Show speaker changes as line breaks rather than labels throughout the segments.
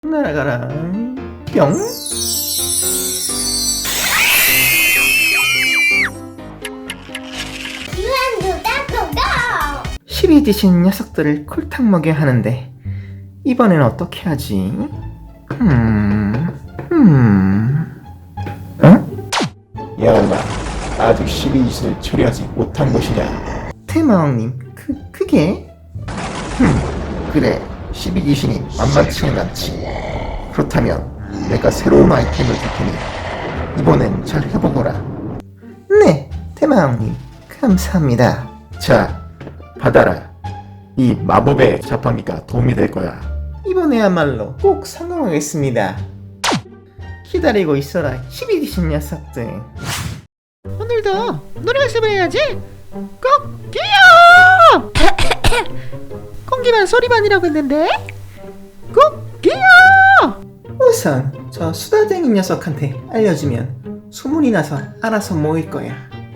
날아가라. 뿅.
유한두다 고고!
실이 지신 녀석들을 콜탕 먹여야 하는데 이번엔 어떻게 하지?
야옹아, 아직 시리즈를 처리하지 못한 것이냐?
테마왕님, 그게?
그래, 12귀신이 만만치는 않지. 그렇다면 내가 새로운 아이템을 줄 테니 이번엔 잘 해보거라.
네, 테마왕님, 감사합니다.
자, 받아라. 이 마법의 자판기가 도움이 될 거야.
이번에야말로 꼭 성공하겠습니다. 기다리고 있어라, 실이 지신 녀석들.
오늘도 노래 연습을 해야지. 꼭기요. 공기반 소리반이라고 했는데 꼭기요.
우선 저 수다쟁이 녀석한테 알려주면 소문이 나서 알아서 모일 거야.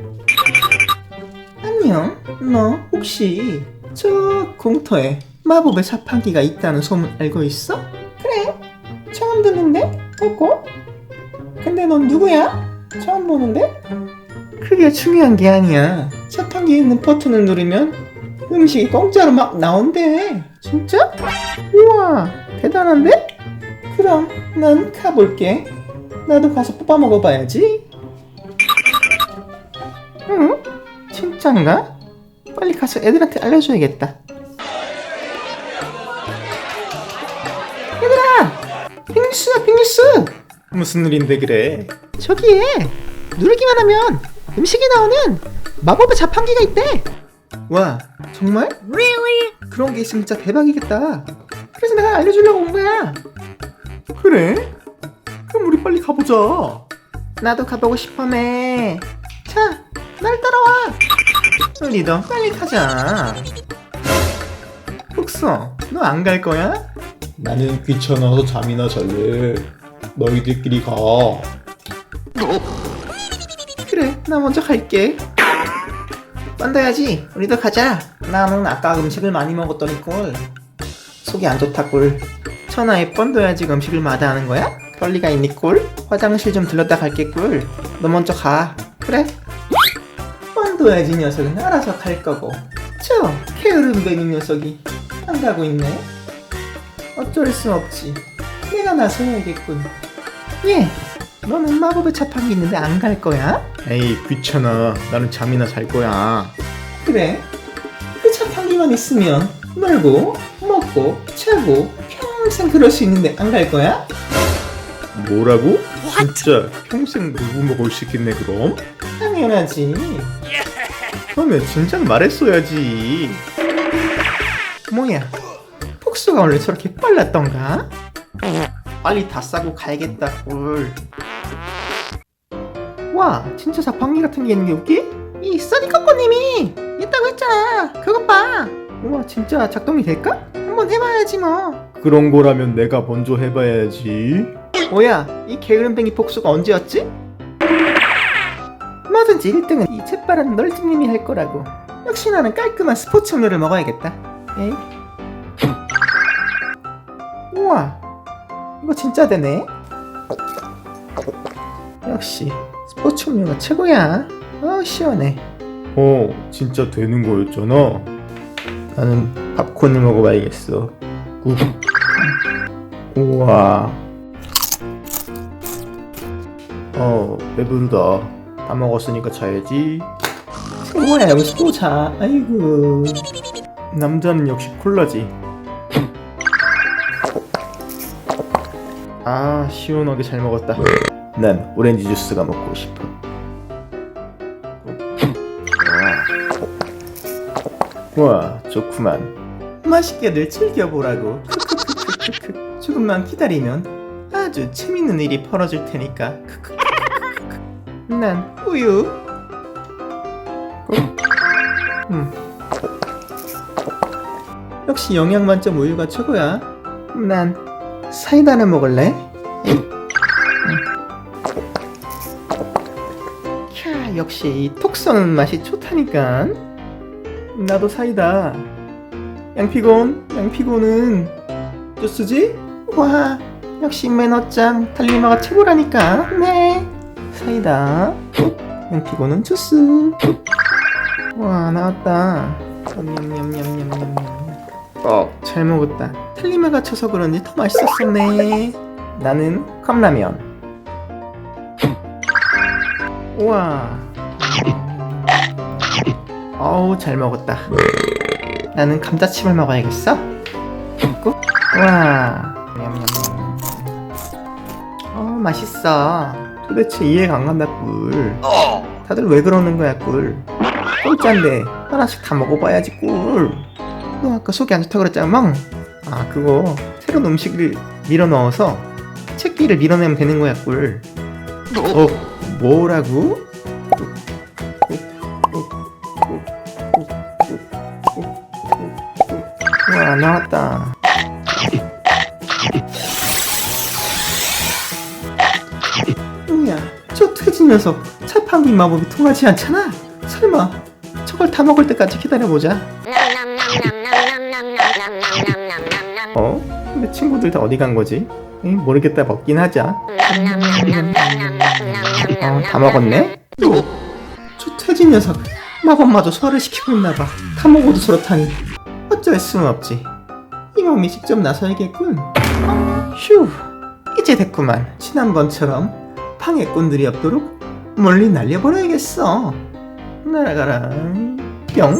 안녕, 너 혹시 저 공터에 마법의 자판기가 있다는 소문 알고 있어? 그래, 처음 듣는데? 없고? 근데 넌 누구야? 처음 보는데? 그게 중요한 게 아니야. 자판기에 있는 버튼을 누르면 음식이 공짜로 막 나온대. 진짜? 우와, 대단한데? 그럼 난 가볼게. 나도 가서 뽑아 먹어봐야지. 응? 진짠가? 빨리 가서 애들한테 알려줘야겠다. 얘들아! 빅뉴스야, 빅뉴스! 무슨 일인데 그래?
저기에 누르기만 하면 음식이 나오는 마법의 자판기가 있대.
와, 정말? Really? 그런 게 있으면 진짜 대박이겠다. 그래서 내가 알려주려고 온 거야. 그래? 그럼 우리 빨리 가보자. 나도 가보고 싶어네. 자, 날 따라와. 우리도 빨리 가자. 흑서, 너 안 갈 거야?
나는 귀찮아서 잠이나 잘래. 너희들끼리 가.
그래, 나 먼저 갈게. 빤다야지, 우리도 가자. 나는 아까 음식을 많이 먹었더니 꿀. 속이 안 좋다 꿀. 천하에 뻔둬야지 음식을 마다하는 거야? 그럴 리가 있니 꿀? 화장실 좀 들렀다 갈게 꿀. 너 먼저 가. 그래? 뻔둬야지 녀석은 알아서 갈 거고. 저 게으름뱅이 녀석이 안 가고 있네. 어쩔 수 없지. 내가 나서야겠군. 예, 너는 마법의 자판기 있는데 안 갈 거야?
에이, 귀찮아. 나는 잠이나 잘 거야.
그래? 그 자판기만 있으면 놀고 먹고 자고 평생 그럴 수 있는데 안 갈 거야?
뭐라고? 진짜 평생 누구 먹을 수 있겠네 그럼?
당연하지.
그러면 진작 말했어야지.
뭐야, 폭소가 원래 저렇게 빨랐던가? 빨리 다 싸고 가야겠다 꿀. 와, 진짜 자판기 같은 게 있는 게 웃기? 이 써니꺼꺼님이 있다고 했잖아. 그것 봐. 우와, 진짜 작동이 될까? 한번 해봐야지 뭐.
그런 거라면 내가 먼저 해봐야지.
뭐야, 이 게으름뱅이 복수가 언제였지? 뭐든지 1등은 이 재빠른 널지님이 할 거라고. 역시 나는 깔끔한 스포츠 음료를 먹어야겠다. 에이. 우와, 이거 진짜 되네. 역시 스포츠 음료가 최고야. 시원해.
진짜 되는 거였잖아.
나는 팝콘을 먹어봐야겠어.
우와. 배부르다.
다 먹었으니까 자야지. 뭐야, 여기서 또 자. 아이고.
남자는 역시 콜라지.
아, 시원하게 잘 먹었다. 난 오렌지 주스가 먹고 싶어. 와, 좋구만. 맛있게들 즐겨보라고. 조금만 기다리면 아주 재밌는 일이 벌어질 테니까. 난 우유. 역시 영양 만점 우유가 최고야. 난 사이다를 먹을래. 캬, 역시 이 톡 쏘는 맛이 좋다니까. 나도 사이다. 양피곤은 주스지? 와, 역시 매너짱 달리마가 최고라니까. 네. 사이다. 엠피고는 주스. 와 나왔다. 냠냠냠냠냠냠. 잘 먹었다. 달리마가 쳐서 그런지 더 맛있었었네. 나는 컵라면. 우와. 어우 잘 먹었다. 나는 감자칩을 먹어야겠어. 먹고. 와. 냠냠냠. 맛있어. 도대체 이해가 안 간다 꿀. 다들 왜 그러는 거야 꿀. 꿀짠데 하나씩 다 먹어봐야지 꿀. 너 아까 속이 안 좋다 그랬잖아 멍. 아 그거 새로운 음식을 밀어 넣어서 채끼를 밀어내면 되는 거야 꿀. 뭐라고? 와 나왔다. 뭐야 저 퇴진 녀석 자판기 마법이 통하지 않잖아. 설마 저걸 다 먹을 때까지 기다려보자. 근데 친구들 다 어디 간 거지? 모르겠다 먹긴 하자. 다 먹었네? 저 퇴진 녀석 마법마저 소화를 시키고 있나봐. 다 먹어도 저렇다니 어쩔 수는 없지. 이 몸이 직접 나서야겠군. 휴 이제 됐구만. 지난번처럼 방해꾼들이 없도록 멀리 날려버려야겠어. 날아가라 뿅.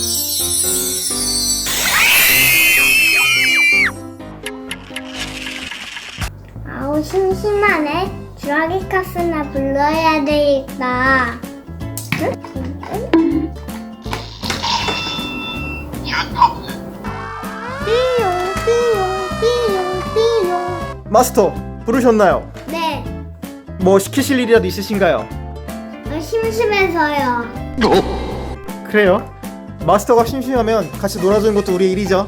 아우 심심하네. 주라기 카스나 불러야 되겠다. 띠용.
마스터 부르셨나요?
네.
뭐 시키실 일이라도 있으신가요?
심심해서요.
그래요? 마스터가 심심하면 같이 놀아주는 것도 우리의 일이죠.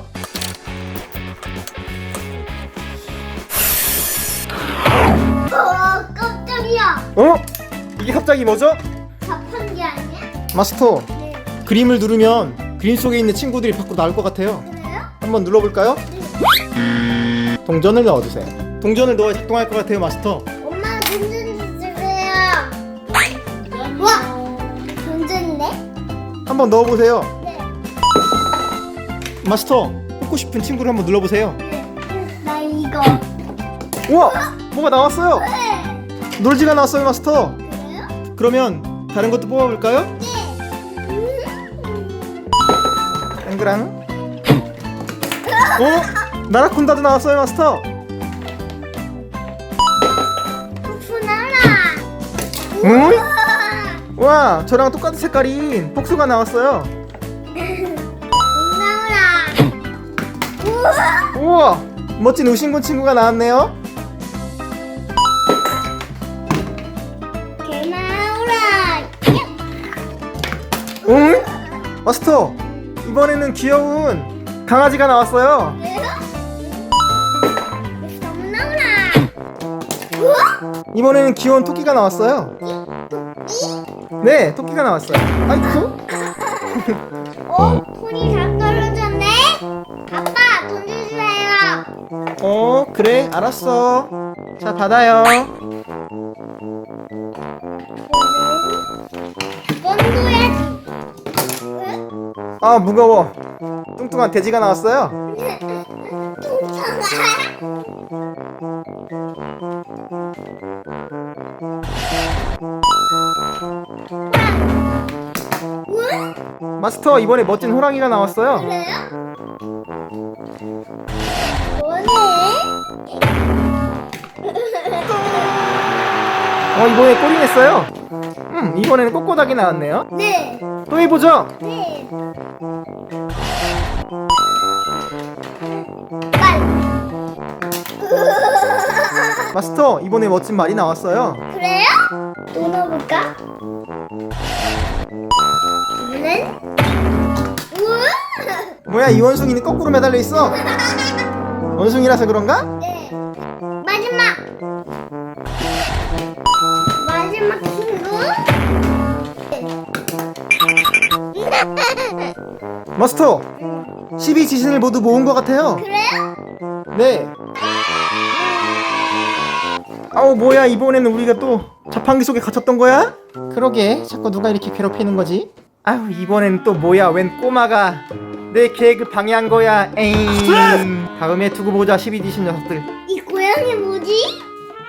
깜짝이야.
이게 갑자기 뭐죠?
자판기 아니야?
마스터
네.
그림을 누르면 그림 속에 있는 친구들이 밖으로 나올 것 같아요.
그래요?
한번 눌러볼까요? 동전을 넣어주세요. 동전을 넣어야 작동할 것 같아요 마스터.
엄마 돈좀 주세요. 와, 돈인데?
한번 넣어보세요.
네.
마스터 뽑고 싶은 친구를 한번 눌러보세요.
나 이거.
우와 뭐가 나왔어요.
네.
놀지가 나왔어요 마스터.
그래요?
그러면 다른 것도 뽑아볼까요?
네.
땡그랑. 나라콘다도 나왔어요 마스터.
복수나라.
응? 와 저랑 똑같은 색깔인 복수가 나왔어요.
나오라. 우와.
우와 멋진 우신군 친구가 나왔네요.
개 나오라.
응? 마스터 이번에는 귀여운 강아지가 나왔어요.
그래요? 너무 나오라. 우와.
이번에는 귀여운 토끼가 나왔어요. 네 토끼가 나왔어요. 아이쿠.
돈이 다 떨어졌네. 아빠 돈 주세요.
그래 알았어. 자 받아요.
뻔둬야지.
아 무거워. 뚱뚱한 돼지가 나왔어요. 마스터 이번에 멋진 호랑이가 나왔어요.
그래요? 뭐네?
이번에 꼬리 냈어요. 이번에는 꼬꼬닥이 나왔네요.
네.
또 해보죠.
네. 빨리.
마스터 이번에 멋진 말이 나왔어요.
그래요? 또 넣어볼까? 이거는? 우와!
뭐야 이 원숭이는 거꾸로 매달려 있어. 원숭이라서 그런가?
네. 마지막 친구.
마스터 12지신을 모두 모은 것 같아요.
그래요?
네 아우 뭐야, 이번에는 우리가 또 자판기 속에 갇혔던 거야?
그러게 자꾸 누가 이렇게 괴롭히는 거지?
아유 이번에는 또 뭐야, 웬 꼬마가 내 계획을 방해한 거야. 에잉. 다음에 두고 보자 12디신 녀석들.
이 고양이 뭐지?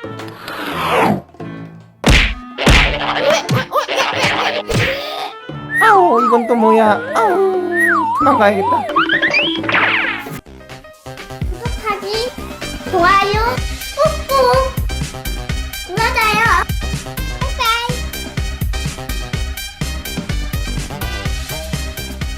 아우 이건 또 뭐야. 아우 도망가야겠다.
구독하기, 좋아요